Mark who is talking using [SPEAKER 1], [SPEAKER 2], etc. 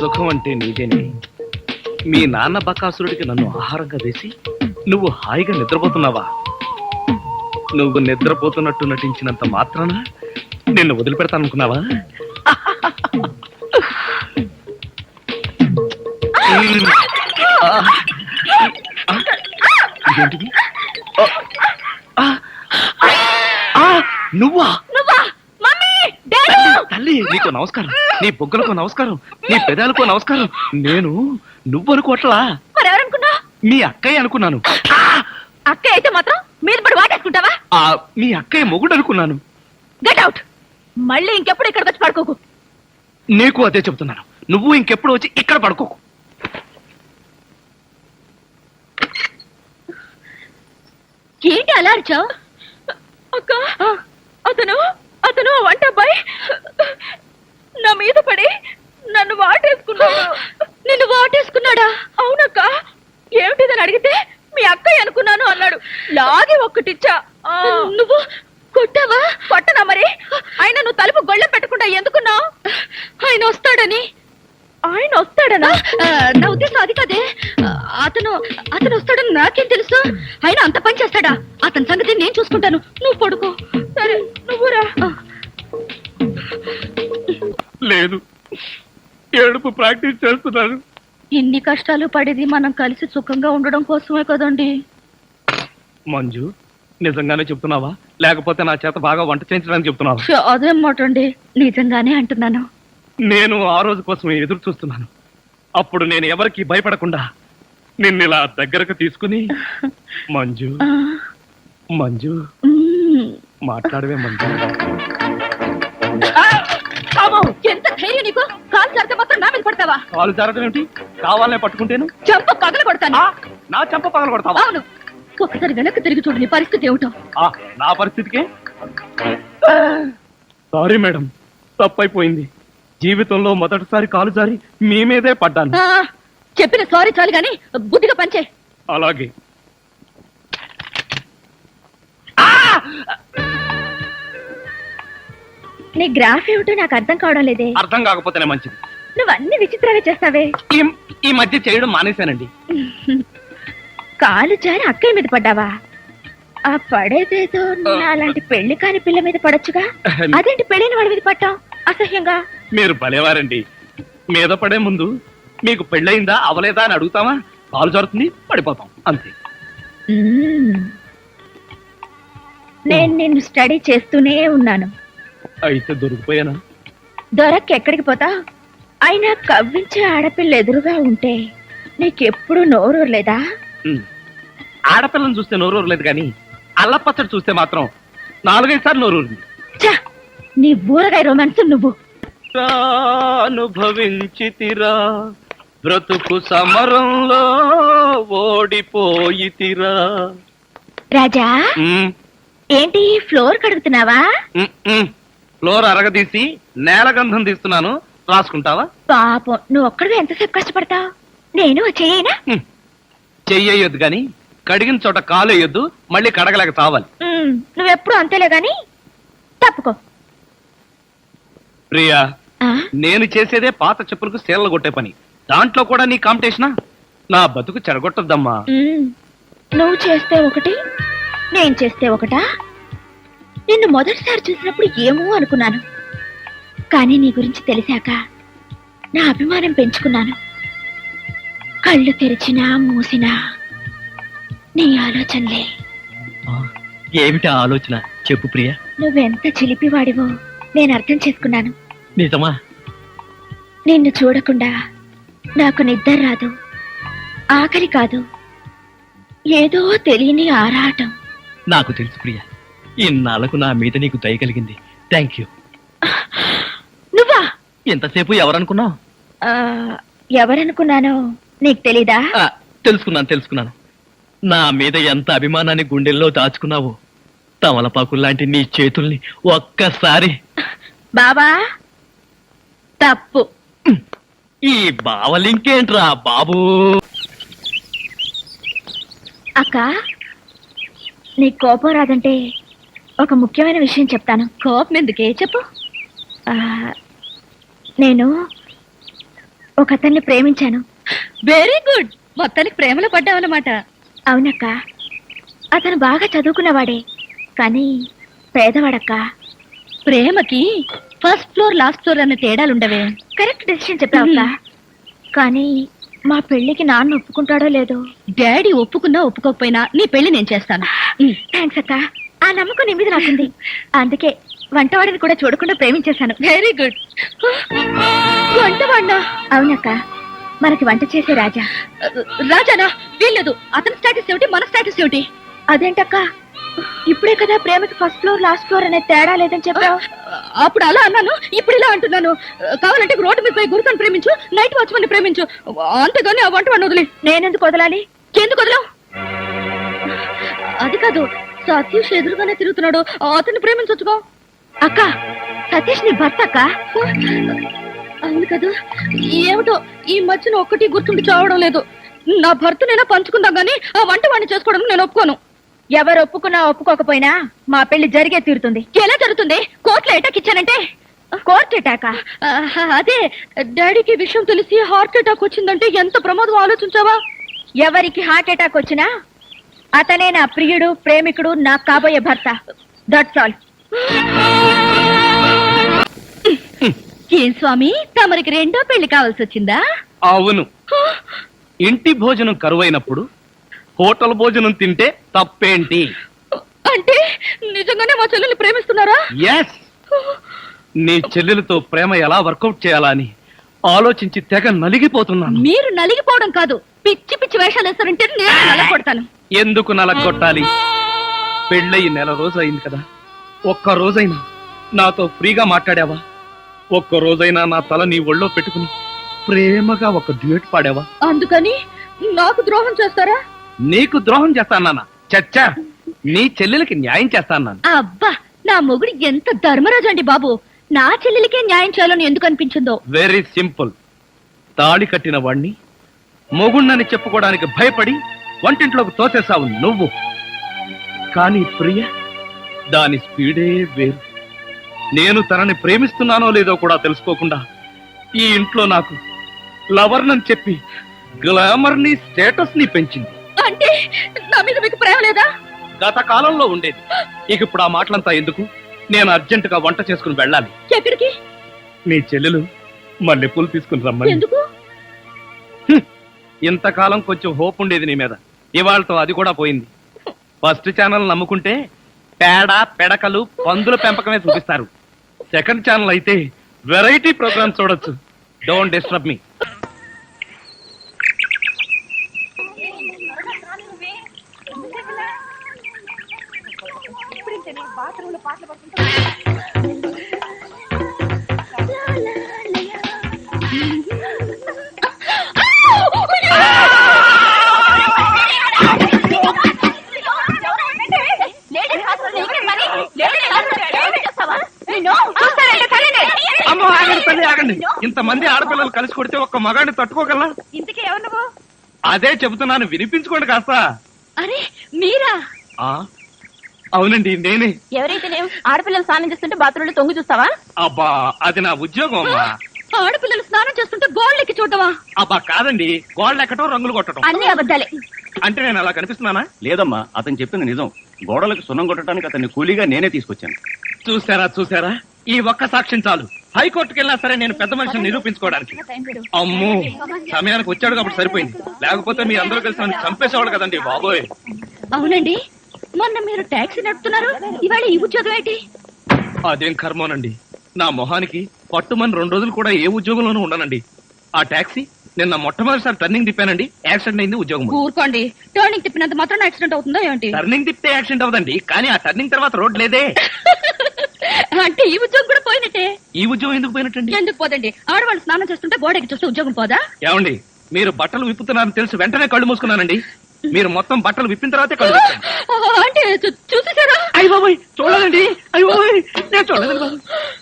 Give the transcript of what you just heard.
[SPEAKER 1] సుఖం అంటే నీదేనే. మీ నాన్న బకాసురుడికి నన్ను ఆహారంగా వేసి నువ్వు హాయిగా నిద్రపోతున్నావా? నువ్వు నిద్రపోతున్నట్టు నటించినంత మాత్రాన నిన్ను వదిలిపెడతాననుకున్నావా? ఇదేంటిది? నువ్వా? తల్లి, నీకు నమస్కారం. నీ బొగ్గలకు నమస్కారం, నీ పెదాలకు నమస్కారం. నేను నువ్వనుకోవట్లా, మీ అక్కయ్య అనుకున్నాను.
[SPEAKER 2] అక్కయ్య అయితే మాత్రం మీద పడి వాటేసుకుంటావా?
[SPEAKER 1] మీ అక్కయ్య మొగుడు అనుకున్నాను.
[SPEAKER 2] Get out. మళ్ళీ ఇంకెప్పుడు ఇక్కడికి వచ్చి పడుకోకు.
[SPEAKER 1] నీకు అదే చెబుతున్నాను, నువ్వు ఇంకెప్పుడు వచ్చి ఇక్కడ పడుకోకు.
[SPEAKER 2] ఏంటి అలా అరిచావు? అక్క, అతను అతను వంట అబ్బాయి నా మీద పడి నన్ను వాటేసుకున్నాడు. నిన్ను వాటేసుకున్నాడా? అవునక్క. ఏమిటిదని అడిగితే మీ అక్కయ్య అనుకున్నాను అన్నాడు. లాగి ఒక్కటిచ్చా. నువ్వు కొట్టావా? కొట్టనా మరి. ఆయన నువ్వు తలుపు గొళ్ళెం పెట్టకుండా ఎందుకున్నావు? ఆయన వస్తాడని. ఆయన వస్తాడనా? నా ఉద్దేశం అది కదే. అతను అతను వస్తాడని నాకేం తెలుసు? ఆయన అంత పని చేస్తాడా? అతని సంగతి నేను చూసుకుంటాను, నువ్వు పడుకో. సరే, నువ్వురా.
[SPEAKER 1] లేదు, ఏడుపు ప్రాక్టీస్ చేస్తున్నాను.
[SPEAKER 2] ఇన్ని కష్టాలు పడేది మనం కలిసి సుఖంగా ఉండడం కోసమే కదండి.
[SPEAKER 1] మంజు, నిజంగానే చెప్తున్నావా లేకపోతే నా చేత బాగా వంట చేయించడానికి చెప్తున్నావా?
[SPEAKER 2] అదేం మాట అండి, నిజంగానే అంటున్నాను.
[SPEAKER 1] నేను ఆ రోజు కోసమే ఎదురు చూస్తున్నాను. అప్పుడు నేను ఎవరికి భయపడకుండా నిన్ను ఇలా దగ్గరకు తీసుకుని మంజు మంజు మాట్లాడవే మంజు.
[SPEAKER 2] ఎంత ధైర్యం నీకు? కాలు జారితే మాత్రం నా మీద పడతావా?
[SPEAKER 1] కాలు జారడం ఏమిటి? కావాలనే పట్టుకుంటేను
[SPEAKER 2] చెంప పగల కొడతాను.
[SPEAKER 1] నా చెంప పగల కొడతావా?
[SPEAKER 2] అవును. ఒకసారి వెనక్కి తిరిగి చూడు, నీ పరిస్థితి ఏమిటో.
[SPEAKER 1] నా పరిస్థితికే సారీ మేడం, తప్పైపోయింది. జీవితంలో మొదటిసారి కాలు జారి మీ మీదే పడ్డాను.
[SPEAKER 2] చెప్పిన సారీ చాలు గాని బుద్ధిగా పనిచే.
[SPEAKER 1] అలాగే.
[SPEAKER 2] నీ గ్రాఫ్ ఏమిటో నాకు అర్థం కావడం లేదే.
[SPEAKER 1] అర్థం కాకపోతేనే మంచిది.
[SPEAKER 2] నువ్వు అన్ని విచిత్రంగా చేస్తావే.
[SPEAKER 1] ఈ మధ్య చేయడం మానేశానండి.
[SPEAKER 2] కాలు జారి అక్కయ్య మీద పడ్డావా? ఆ పడేదేదో అలాంటి పెళ్లి కాని పిల్ల మీద పడొచ్చుగా. అదేంటి పెళ్ళైన వాడి మీద పట్టావు అసహ్యంగా?
[SPEAKER 1] మీరు భలేవారండి. మీద పడే ముందు మీకు పెళ్ళయిందా అవలేదా అని అడుగుతామా? కాలు జారుతుంది, పడిపోతాం అంతే.
[SPEAKER 2] నేను నిన్ను స్టడీ చేస్తూనే ఉన్నాను.
[SPEAKER 1] అయితే దొరికిపోయానా?
[SPEAKER 2] దొరక్కెక్కడికి పోతా? అయినా కవ్వించే ఆడపిల్ల ఎదురుగా ఉంటే నీకెప్పుడు నోరూరలేదా?
[SPEAKER 1] ఆడపిల్లని చూస్తే నోరూరలేదు కానీ అల్లపచ్చడి చూస్తే మాత్రం 4-5 సార్లు నోరూరింది.
[SPEAKER 2] నీ ఊరగాయ రొమాన్స్ నువ్వు.
[SPEAKER 1] అనుభవించితిరా బ్రతుకు సమరంలో ఓడిపోయితిరా.
[SPEAKER 2] రాజా, ఏంటి ఫ్లోర్ కడుగుతున్నావా?
[SPEAKER 1] ఫ్లోర్ అరగదీసి నేల గంధం తీస్తున్నాను, రాసుకుంటావా?
[SPEAKER 2] పాపం, నువ్వు ఒక్కడివే ఎంతసేపు కష్టపడతావు? నేను చెయ్యనా?
[SPEAKER 1] చెయ్యొద్దు గాని కడిగిన చోట కాలు వేయొద్దు, మళ్ళీ కడగలేక చావాలి.
[SPEAKER 2] నువ్వెప్పుడు అంతేలే గాని తప్పుకో.
[SPEAKER 1] ప్రియా, నేను చేసేదే పాత చెప్పులకు సేలలు కొట్టే పని. దాంట్లో కూడా నీ కాంపిటీషనా? నా బతుకు చెడగొట్టద్దమ్మా.
[SPEAKER 2] నువ్వు చేస్తే ఒకటి, నేను చేస్తే ఒకటా? నిన్ను మొదటిసారి చూసినప్పుడు ఏమో అనుకున్నాను, కానీ నీ గురించి తెలిసాక నా అభిమానం పెంచుకున్నాను. కళ్ళు తెరిచినా మూసినా నీ ఆలోచనలే.
[SPEAKER 1] ఏమిటి ఆలోచన చెప్పు ప్రియా.
[SPEAKER 2] నువ్వెంత చిలిపివాడివో నేను అర్థం చేసుకున్నాను.
[SPEAKER 1] నిజమా?
[SPEAKER 2] నిన్ను చూడకుండా నాకు నిద్ర రాదు, ఆకలి కాదు, ఏదో తెలియని ఆరాటం.
[SPEAKER 1] నాకు తెలుసు ప్రియా, ఇన్నాళ్లకు నా మీద నీకు దయ కలిగింది. Thank you.
[SPEAKER 2] నువ్వా?
[SPEAKER 1] ఎంతసేపు ఎవరనుకున్నావు?
[SPEAKER 2] ఎవరనుకున్నానో నీకు తెలీదా?
[SPEAKER 1] తెలుసుకున్నాను. నా మీద ఎంత అభిమానాన్ని గుండెల్లో దాచుకున్నావో. తమలపాకుల్లాంటి నీ చేతుల్ని ఒక్కసారి.
[SPEAKER 2] బాబా, తప్పు.
[SPEAKER 1] ఈ బావలింకేంట్రా బాబు?
[SPEAKER 2] అక్క, నీ కోపం రాదంటే ఒక ముఖ్యమైన విషయం చెప్తాను. కోపం ఎందుకే చెప్పు. నేను ఒక అతన్ని ప్రేమించాను. Very good. మొత్తానికి ప్రేమలో పడ్డావన్నమాట. అవునక్క. అతను బాగా చదువుకున్నవాడే, కానీ పేదవాడక్క. ప్రేమకి ఫస్ట్ ఫ్లోర్ లాస్ట్ ఫ్లోర్ అన్న తేడాలుండవే. Correct decision చెప్పావక్క. కానీ మా పెళ్లికి నాన్న ఒప్పుకుంటాడో లేదో. డాడీ ఒప్పుకున్నా ఒప్పుకోకపోయినా నీ పెళ్లి నేను చేస్తాను. థ్యాంక్స్ అక్క. ఆ నమ్మకం నీ మీద నాకుంది. అందుకే వంటవాడిని కూడా చూడకుండా ప్రేమించేశాను. Very good. వంటవాడినా? అవునక్క, మనకి వంట చేసే రాజా. రాజానా? వీల్లేదు. అతని స్టేటస్ ఏమిటి, మన స్టేటస్ ఏమిటి? అదేంటక్క, ఇప్పుడే కదా ప్రేమకి ఫస్ట్ ఫ్లోర్ లాస్ట్ ఫ్లోర్ అనే తేడా లేదని చెప్పావు. అప్పుడు అలా అన్నాను, ఇప్పుడు ఇలా అంటున్నాను. కావాలంటే రోడ్డు మీద పోయి గురుతను ప్రేమించు, నైట్ వాచ్మన్ ప్రేమించు, అంతేగాని ఆ వంటవాడిని వదిలే. నేనెందుకు వదలాలి? ఎందుకు వదలవు? అది కాదు, సతీష్ ఎదురుగానే తిరుగుతున్నాడు, అతన్ని ప్రేమించొచ్చుకో. అక్క, సతీష్ నీ భర్త అక్క. అవును కదా. ఏమిటో ఈ మధ్యన ఒక్కటి గుర్తుండి చావడం లేదు. నా భర్తనైనా పంచుకుందాం గానీ ఆ వంటవాడిని చేసుకోవడం నేను ఒప్పుకోను. ఎవరు ఒప్పుకున్నా ఒప్పుకోకపోయినా మా పెళ్లి జరిగే తీరుతుంది. ఎలా జరుగుతుంది? కోర్టులో అటాక్ ఇచ్చానంటే. Court attack? అదే, డాడీకి విషయం తెలిసి హార్ట్ అటాక్ వచ్చిందంటే ఎంత ప్రమాదం ఆలోచించావా? ఎవరికి హార్ట్ అటాక్ వచ్చినా అతనే నా ప్రియుడు, ప్రేమికుడు, నా కాబోయే భర్త. That's all. ఏం స్వామి, తమరికి రెండో పెళ్లి కావాల్సి వచ్చిందా?
[SPEAKER 1] అవును. ఇంటి భోజనం కరువైనప్పుడు హోటల్ భోజనం తింటే తప్పేంటి?
[SPEAKER 2] అంటే నిజంగానే మా చెల్లెల్ని ప్రేమిస్తున్నారా?
[SPEAKER 1] ఎస్. నీ చెల్లెలతో ప్రేమ ఎలా వర్కౌట్ చేయాలా అని ఆలోచించి తెగ నలిగిపోతున్నాను.
[SPEAKER 2] మీరు నలిగిపోవడం కాదు, పిచ్చి పిచ్చి వేషాలు వేస్తారంటే నేను నలగొడతాను.
[SPEAKER 1] ఎందుకు నలగొట్టాలి? పెళ్ళయి నెల రోజు అయింది కదా, ఒక్క రోజైనా నాతో ఫ్రీగా మాట్లాడావా? ఒక్క రోజైనా నా తల నీ ఒళ్ళో పెట్టుకుని ప్రేమగా ఒక డ్యూయట్ పాడావా?
[SPEAKER 2] అందుకని నాకు ద్రోహం చేస్తారా?
[SPEAKER 1] నీకు ద్రోహం చేస్తానా? చచ్చా, నీ చెల్లెలకి న్యాయం చేస్తాను.
[SPEAKER 2] అబ్బా, నా మొగుడు ఎంత ధర్మరాజు అండి బాబు. నా చెల్లెలికే న్యాయం చేయాలని ఎందుకు అనిపించిందో?
[SPEAKER 1] Very simple. తాళి కట్టిన వాణ్ణి మొగుణ్ణని చెప్పుకోవడానికి భయపడి వంటింట్లోకి తోసేసావు నువ్వు. కానీ ప్రియ, దాని స్పీడే వేరు. నేను తనని ప్రేమిస్తున్నానో లేదో కూడా తెలుసుకోకుండా ఈ ఇంట్లో నాకు లవర్నని చెప్పి గ్లామర్ ని, స్టేటస్ ని పెంచింది.
[SPEAKER 2] అంటే నా మీద మీకు ప్రేమ లేదా?
[SPEAKER 1] గత కాలంలో ఉండేది. ఇక ఇప్పుడు ఆ మాటలంతా ఎందుకు? నేను అర్జెంటుగా వంట చేసుకుని వెళ్ళాలి.
[SPEAKER 2] ఎక్కడికి?
[SPEAKER 1] నీ చెల్లెలు మల్లెపూలు తీసుకుని రమ్మని.
[SPEAKER 2] ఎందుకు?
[SPEAKER 1] ఇంతకాలం కొంచెం హోప్ ఉండేది నీ మీద, ఇవాళతో అది కూడా పోయింది. ఫస్ట్ ఛానల్ నమ్ముకుంటే పేడ, పెడకలు, పందుల పెంపకమే చూపిస్తారు. సెకండ్ ఛానల్ అయితే వెరైటీ ప్రోగ్రామ్ చూడొచ్చు. Don't disturb me. అమ్మో, ఆగండి తల్లి, ఆగండి. ఇంతమంది ఆడపిల్లలు కలిసి కొడితే ఒక్క మగాడిని తట్టుకోగలరా?
[SPEAKER 2] ఇంతకీ ఎవరు నువ్వు?
[SPEAKER 1] అదే చెబుతున్నాను, వినిపించుకోండి కాస్త.
[SPEAKER 2] అరే మీరా?
[SPEAKER 1] అవునండి, నేనే.
[SPEAKER 2] ఎవరైతే ఆడపిల్లలు స్నానం చేస్తుంటే బాత్రూంలో తొంగి చూస్తావా?
[SPEAKER 1] అబ్బా, అది నా ఉద్యోగం అమ్మా.
[SPEAKER 2] ఆడపిల్లలు స్నానం చేస్తుంటే గోళ్ళెక్కి చూడవా?
[SPEAKER 1] అబ్బా కాదండి, గోళ్ళు ఎక్కటం, రంగులు కొట్టడం.
[SPEAKER 2] అన్ని అబద్ధాలే.
[SPEAKER 1] అంటే నేను అలా కనిపిస్తున్నానా?
[SPEAKER 3] లేదమ్మా, అతను చెప్పింది నిజం. గోడలకు సున్నం కొట్టడానికి అతన్ని కూలీగా నేనే తీసుకొచ్చాను.
[SPEAKER 1] చూసారా, ఈ ఒక్క సాక్ష్యం చాలు. హైకోర్టుకి వెళ్ళినా సరే నేను పెద్ద మనిషిని నిరూపించుకోవడానికి. అమ్మో, సమయానికి వచ్చాడు కాబట్టి సరిపోయింది. లేకపోతే మీ అందరూ కలిసి నన్ను చంపేసేవాడు కదండి బాబోయ్.
[SPEAKER 2] అవునండి, మొన్న మీరు టాక్సీ నడుపుతున్నారు, ఇవాళ ఈ ఉద్యోగం ఏంటి?
[SPEAKER 1] అదేం కర్మోనండి, నా మొహానికి పట్టుమని 2 రోజులు కూడా ఏ ఉద్యోగంలోనూ ఉండనండి. ఆ టాక్సీ నిన్న మొట్టమొదటిసారి టర్నింగ్ తిప్పానండి, యాక్సిడెంట్ అయింది. ఉద్యోగం
[SPEAKER 2] ఊరుకోండి, టర్నింగ్ తిప్పినంత మాత్రం యాక్సిడెంట్ అవుతుందా ఏంటి?
[SPEAKER 1] టర్నింగ్ తిప్పితే యాక్సిడెంట్ అవదండి, కానీ ఆ టర్నింగ్ తర్వాత రోడ్ లేదే.
[SPEAKER 2] అంటే ఈ ఉద్యోగం కూడా పోయినట్టే.
[SPEAKER 1] ఈ ఉద్యోగం ఎందుకు పోయినట్టండి?
[SPEAKER 2] ఎందుకు పోదండి, ఆడవాళ్ళు స్నానం చేస్తుంటే గోడకి చూస్తే ఉద్యోగం పోదా?
[SPEAKER 1] ఏమండి, మీరు బట్టలు విప్పుతున్నారని తెలిసి వెంటనే కళ్ళు మూసుకున్నానండి. మీరు మొత్తం బట్టలు విప్పిన తర్వాతే కళ్ళు
[SPEAKER 2] అంటే చూసేసారా?
[SPEAKER 1] అయ్య బాబోయ్, చూడాలండి. అయ్య బాబోయ్, నేను చూడలేదు.